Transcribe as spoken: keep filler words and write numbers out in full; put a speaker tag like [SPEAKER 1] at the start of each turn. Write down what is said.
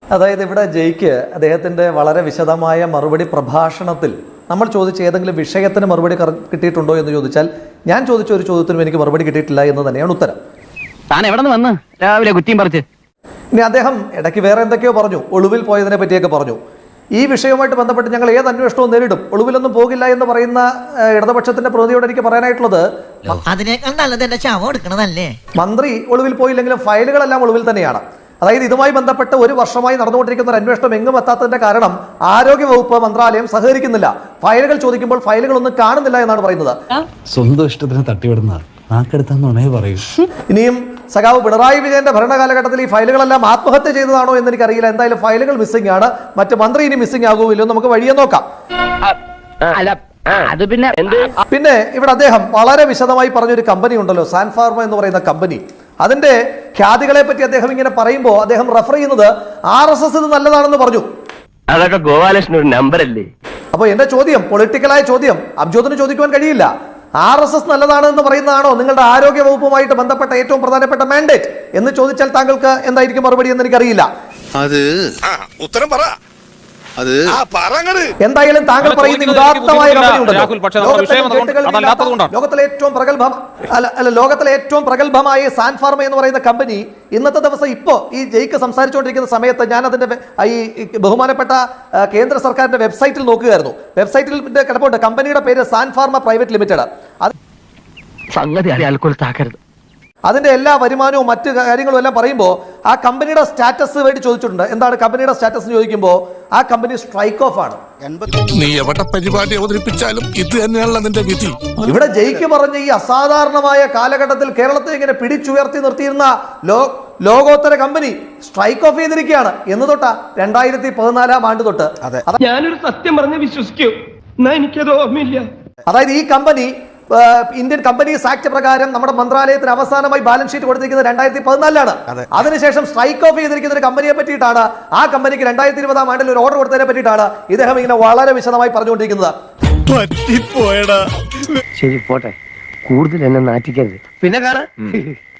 [SPEAKER 1] അതായത് ഇവിടെ ജയ്ക്ക് അദ്ദേഹത്തിന്റെ വളരെ വിശദമായ മറുപടി പ്രഭാഷണത്തിൽ നമ്മൾ ചോദിച്ച ഏതെങ്കിലും വിഷയത്തിന് മറുപടി കിട്ടിയിട്ടുണ്ടോ എന്ന് ചോദിച്ചാൽ ഞാൻ ചോദിച്ച ഒരു ചോദ്യത്തിനും എനിക്ക് മറുപടി കിട്ടിയിട്ടില്ല എന്ന് തന്നെയാണ് ഉത്തരം.
[SPEAKER 2] താൻ എവിടെ നിന്ന് വന്ന് രാവിലെ കുറ്റിയും പറിച്ച്?
[SPEAKER 1] ഇനി അദ്ദേഹം ഇടയ്ക്ക് വേറെ എന്തൊക്കെയോ പറഞ്ഞു, ഒളിവിൽ പോയതിനെ പറ്റിയൊക്കെ പറഞ്ഞു. ഈ വിഷയവുമായിട്ട് ബന്ധപ്പെട്ട് ഞങ്ങൾ ഏത് അന്വേഷണവും നേരിടും, ഒളിവിലൊന്നും പോകില്ല എന്ന് പറയുന്ന ഇടതുപക്ഷത്തിന്റെ പ്രതിനിധിയോട് എനിക്ക് പറയാനായിട്ടുള്ളത്, മന്ത്രി ഒളിവിൽ പോയില്ലെങ്കിലും ഫയലുകളെല്ലാം ഒളിവിൽ തന്നെയാണ്. അതായത് ഇതുമായി ബന്ധപ്പെട്ട് ഒരു വർഷമായി നടന്നുകൊണ്ടിരിക്കുന്ന ഒരു അന്വേഷണം എങ്ങും എത്താത്തതിന്റെ കാരണം ആരോഗ്യവകുപ്പ് മന്ത്രാലയം സഹകരിക്കുന്നില്ല. ഫയലുകൾ ചോദിക്കുമ്പോൾ ഫയലുകളൊന്നും കാണുന്നില്ല എന്നാണ് പറയുന്നത്.
[SPEAKER 3] സ്വന്തം ഇഷ്ടത്തിന് തട്ടിവിടുന്ന നാക്കെടുത്താന്നുണേ പറയൂ.
[SPEAKER 1] ഇനിയും സഖാവ് പിണറായി വിജയന്റെ ഭരണകാലഘട്ടത്തിൽ ഈ ഫയലുകളെല്ലാം ആത്മഹത്യ ചെയ്തതാണോ എന്ന് എനിക്കറിയില്ല. എന്തായാലും ഫയലുകൾ മിസ്സിംഗ് ആണ്. മറ്റു മന്ത്രി ഇനി മിസ്സിംഗ് ആകുമല്ലോ, നമുക്ക് വഴിയെ നോക്കാം. പിന്നെ ഇവിടെ അദ്ദേഹം വളരെ വിശദമായി പറഞ്ഞൊരു കമ്പനി ഉണ്ടല്ലോ, സാൻഫാർമ എന്ന് പറയുന്ന കമ്പനി, അതിന്റെ ഖ്യാതികളെ പറ്റി അദ്ദേഹം ഇങ്ങനെ പറയുമ്പോൾ അദ്ദേഹം റെഫർ ചെയ്യുന്നത് ആർ എസ് എസ് ഇത് നല്ലതാണെന്ന് പറഞ്ഞു.
[SPEAKER 2] അതൊക്കെ ഗോപാലകൃഷ്ണൻ ഒരു നമ്പർ അല്ലേ?
[SPEAKER 1] അപ്പൊ എന്റെ ചോദ്യം, പൊളിറ്റിക്കലായ ചോദ്യം, അബ്ജോദിന് ചോദിക്കുവാൻ കഴിയില്ല. ആർ എസ് എസ് നല്ലതാണ് എന്ന് പറയുന്നതാണോ നിങ്ങളുടെ ആരോഗ്യ വകുപ്പുമായിട്ട് ബന്ധപ്പെട്ട ഏറ്റവും പ്രധാനപ്പെട്ട മാൻഡേറ്റ് എന്ന് ചോദിച്ചാൽ താങ്കൾക്ക് എന്തായിരിക്കും മറുപടി എന്ന് എനിക്കറിയില്ല.
[SPEAKER 4] അത് ഉത്തരം പറ.
[SPEAKER 1] എന്തായാലും താങ്കൾ പറയുന്ന ഉദാത്തമായ കമ്പനി ഉണ്ടല്ലോ, ലോകത്തിലെ ഏറ്റവും പ്രഗത്ഭ അല്ല ലോകത്തിലെ ഏറ്റവും പ്രഗത്ഭമായ സാൻഫാർമ എന്ന് പറയുന്ന കമ്പനി ഇന്നത്തെ ദിവസം ഇപ്പോ ഈ ജയ്ക്ക് സംസാരിച്ചുകൊണ്ടിരിക്കുന്ന സമയത്ത് ഞാൻ അതിന്റെ ഈ ബഹുമാനപ്പെട്ട കേന്ദ്ര സർക്കാരിന്റെ വെബ്സൈറ്റിൽ നോക്കുകയായിരുന്നു. വെബ്സൈറ്റിൽ കിടപ്പുണ്ട് കമ്പനിയുടെ പേര് സാൻഫാർമ പ്രൈവറ്റ് ലിമിറ്റഡ്. അതിന്റെ എല്ലാ വരുമാനവും മറ്റു കാര്യങ്ങളും എല്ലാം പറയുമ്പോൾ ആ കമ്പനിയുടെ സ്റ്റാറ്റസ് വേണ്ടി ചോദിച്ചിട്ടുണ്ട്. എന്താണ് കമ്പനിയുടെ സ്റ്റാറ്റസ് ചോദിക്കുമ്പോൾ ആ കമ്പനി സ്ട്രൈക്ക് ഓഫ് ആണ്.
[SPEAKER 4] നീ എവിടെ പരിപാടി അവതരിപ്പിച്ചാലും ഇത് തന്നെയാണല്ലോ നിന്റെ വിധി.
[SPEAKER 1] ഇവിടെ ജയ്ക്ക് പറഞ്ഞ ഈ അസാധാരണമായ കാലഘട്ടത്തിൽ കേരളത്തെ ഇങ്ങനെ പിടിച്ചുയർത്തി നിർത്തിയിരുന്ന ലോ ലോകോത്തര കമ്പനി സ്ട്രൈക്ക് ഓഫ് ചെയ്തിരിക്കുകയാണ്. എന്ന് തൊട്ടാ രണ്ടായിരത്തി പതിനാലാം ആണ്ട് തൊട്ട്.
[SPEAKER 5] ഞാനൊരു സത്യം പറഞ്ഞ് വിശ്വസിക്കൂ, എനിക്കത് ഓർമ്മയില്ല.
[SPEAKER 1] അതായത് ഈ കമ്പനി ഇന്ത്യൻ കമ്പനീസ് ആക്ട് പ്രകാരം നമ്മുടെ മന്ത്രാലയത്തിന് അവസാനമായി ബാലൻസ് ഷീറ്റ് കൊടുത്തിരിക്കുന്നത് രണ്ടായിരത്തി പതിനാലിലാണ്. അതിനുശേഷം സ്ട്രൈക്ക് ഓഫ് ചെയ്തിരിക്കുന്ന ഒരു കമ്പനിയെ പറ്റിയിട്ടാണ്, ആ കമ്പനിക്ക് രണ്ടായിരത്തി ഇരുപതാം ആണ്ടിൽ ഒരു ഓർഡർ കൊടുത്തതിനെ പറ്റിയിട്ടാണ് ഇദ്ദേഹം ഇങ്ങനെ വളരെ വിശദമായി പറഞ്ഞുകൊണ്ടിരിക്കുന്നത്.
[SPEAKER 2] ശരി പോട്ടെ, കൂടുതൽ എന്നെ നാറ്റിക്കരുത്. പിന്നെ കാണാം.